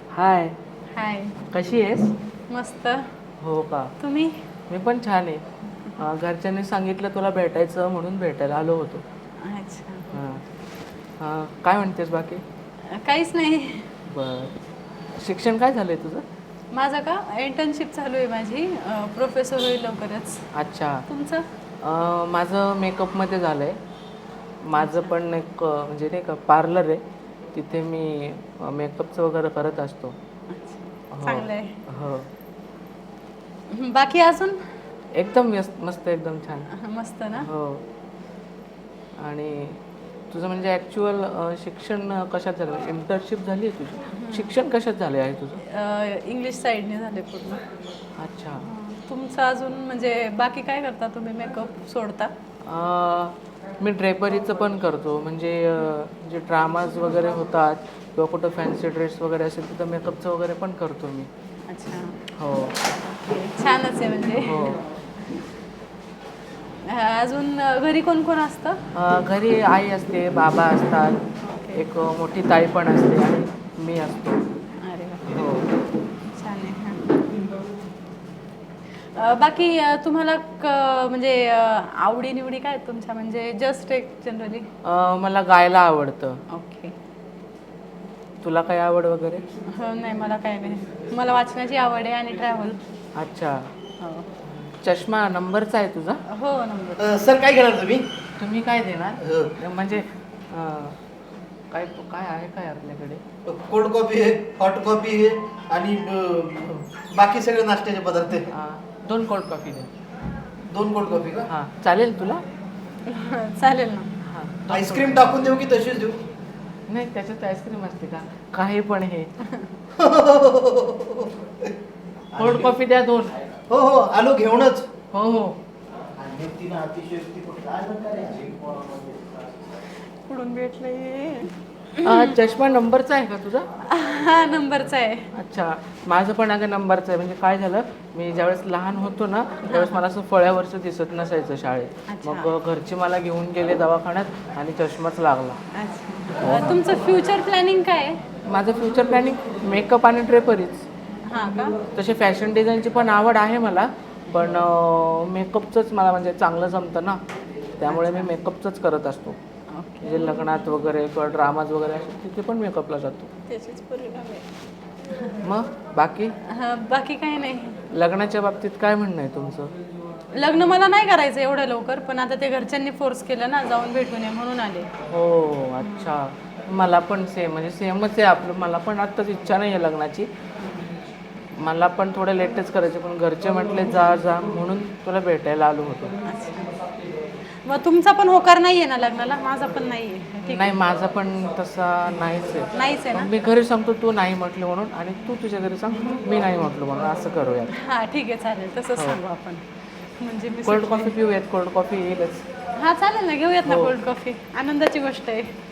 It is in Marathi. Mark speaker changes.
Speaker 1: हाय.
Speaker 2: हाय.
Speaker 1: कशी आहेस?
Speaker 2: मस्त.
Speaker 1: हो का?
Speaker 2: तुम्ही?
Speaker 1: मी पण छान आहे. घरच्यांनी सांगितलं तुला भेटायचं म्हणून भेटायला आलो होतो.
Speaker 2: अच्छा.
Speaker 1: हां. काय म्हणतेस बाकी?
Speaker 2: काहीच नाही.
Speaker 1: बरं. शिक्षण काय झालंय तुझं?
Speaker 2: माझं का इंटर्नशिप चालू आहे माझी. प्रोफेसर होईल लवकरच.
Speaker 1: अच्छा.
Speaker 2: तुमचं?
Speaker 1: माझं मेकअपमध्ये झालं आहे. माझं
Speaker 2: अच्छा.
Speaker 1: पण एक म्हणजे नाही का पार्लर आहे. तिथे मी मेकअपचं वगैरे करत असतो.
Speaker 2: अच्छा.
Speaker 1: हो.
Speaker 2: चांगलं आहे.
Speaker 1: हो.
Speaker 2: बाकी अजून?
Speaker 1: एकदम मस्त एकदम छान.
Speaker 2: मस्त ना?
Speaker 1: हो. आणि तुझं म्हणजे ॲक्च्युअल शिक्षण कशात झालं? इंटर्नशिप झाली आहे तुझी? शिक्षण कशात झाले आहे तुझं?
Speaker 2: इंग्लिश साईडने झाले पूर्ण.
Speaker 1: अच्छा.
Speaker 2: तुमचं अजून म्हणजे बाकी काय करता तुम्ही मेकअप सोडता?
Speaker 1: मी ड्रेपरीचं पण करतो. म्हणजे जे ड्रामाज वगैरे होतात किंवा कुठं फॅन्सी ड्रेस वगैरे असेल तिथं मेकअपचं वगैरे पण करतो मी.
Speaker 2: अच्छा.
Speaker 1: हो.
Speaker 2: ओके. छानच आहे म्हणजे.
Speaker 1: हो.
Speaker 2: अजून घरी कोण कोण असतं?
Speaker 1: घरी आई असते, बाबा असतात,
Speaker 2: ओके.
Speaker 1: एक मोठी ताई पण असते आणि मी असतो.
Speaker 2: अरे वा.
Speaker 1: हो.
Speaker 2: छान आहे. बाकी तुम्हाला म्हणजे आवडी-निवडी काय आहेत तुमच्या म्हणजे जस्ट एक जनरली?
Speaker 1: मला गायला आवडतं.
Speaker 2: ओके.
Speaker 1: तुला काय आवड वगैरे?
Speaker 2: नाही मला काय नाही. मला वाचनाची आवड आहे आणि ट्रॅव्हल.
Speaker 1: अच्छा.
Speaker 2: हो.
Speaker 1: चष्मा नंबरचा आहे तुझा?
Speaker 2: हो नंबर.
Speaker 3: सर काय घेणार तुम्ही?
Speaker 1: तुम्ही काय देणार? म्हणजे काय काय आहे काय आपल्याकडे?
Speaker 3: कोल्ड कॉफी आहे, हॉट कॉफी आहे आणि बाकी सगळे नाश्त्याचे पदार्थ आहे.
Speaker 1: 2 कोल्ड कॉफी द्या.
Speaker 3: 2 कोल्ड कॉफी का?
Speaker 1: हां, चालेल तुला?
Speaker 2: चालेल ना.
Speaker 1: हां.
Speaker 3: आईस्क्रीम टाकून देऊ की तशीच देऊ?
Speaker 1: नाही, त्याच्यात आईस्क्रीम असते का? काही पण हे. कोल्ड कॉफी द्या 2.
Speaker 3: हो हो आलो घेऊनच.
Speaker 1: हो हो.
Speaker 2: कुठून भेटले?
Speaker 1: चष्मा नंबरचा आहे का तुझा?
Speaker 2: हा नंबरचा आहे.
Speaker 1: अच्छा. माझं पण अगं नंबरचं आहे. म्हणजे काय झालं, मी ज्यावेळेस लहान होतो ना त्यावेळेस मला असं फळ्यावरचं दिसत नसायचं शाळेत.
Speaker 2: अच्छा.
Speaker 1: मग घरचे मला घेऊन गेले दवाखान्यात आणि चष्माच लागला.
Speaker 2: अच्छा. तुमचं फ्युचर प्लॅनिंग काय आहे?
Speaker 1: माझं फ्युचर प्लॅनिंग मेकअप आणि ड्रेपरीच.
Speaker 2: हां का?
Speaker 1: तसे फॅशन डिझाईनची पण आवड आहे मला, पण मेकअपचंच मला म्हणजे चांगलं जमतं ना, त्यामुळे मी मेकअपचंच करत असतो.
Speaker 2: ओके.
Speaker 1: म्हणजे लग्नात वगैरे किंवा ड्रामाज वगैरे असतात तिथे पण मेकअपला जातो.
Speaker 2: त्याचेच परिणाम आहे.
Speaker 1: मग बाकी
Speaker 2: बाकी काही नाही.
Speaker 1: लग्नाच्या बाबतीत काय म्हणणं आहे तुमचं?
Speaker 2: लग्न मला नाही करायचं एवढं लवकर, पण आता ते घरच्यांनी फोर्स केलं ना जाऊन भेटून ये म्हणून आले.
Speaker 1: हो. अच्छा. मला पण सेम म्हणजे सेमच आहे आपलं. मला पण आत्ताच इच्छा नाही आहे लग्नाची. मला पण थोडं लेटच करायचं, पण घरचे म्हटले जा जा म्हणून तुला भेटायला आलो होतो.
Speaker 2: मग तुमचा पण होकार नाहीये ना लग्नाला? माझा पण नाहीये. ठीक
Speaker 1: नाही, माझा पण तसा नाहीच आहे.
Speaker 2: नाहीच आहे ना?
Speaker 1: मी घरी सांगतो तू नाही म्हटलं म्हणून, आणि तू तुझ्या घरी सांग मी नाही म्हटलं म्हणून, असं करूया.
Speaker 2: हां ठीक आहे चालेल तसंच सांगू आपण. म्हणजे मी
Speaker 1: कोल्ड कॉफी पिऊयात. कोल्ड कॉफी येईलच.
Speaker 2: हां चालेल ना घेऊयात ना
Speaker 1: हो.
Speaker 2: Cold coffee. आनंदाची गोष्ट आहे.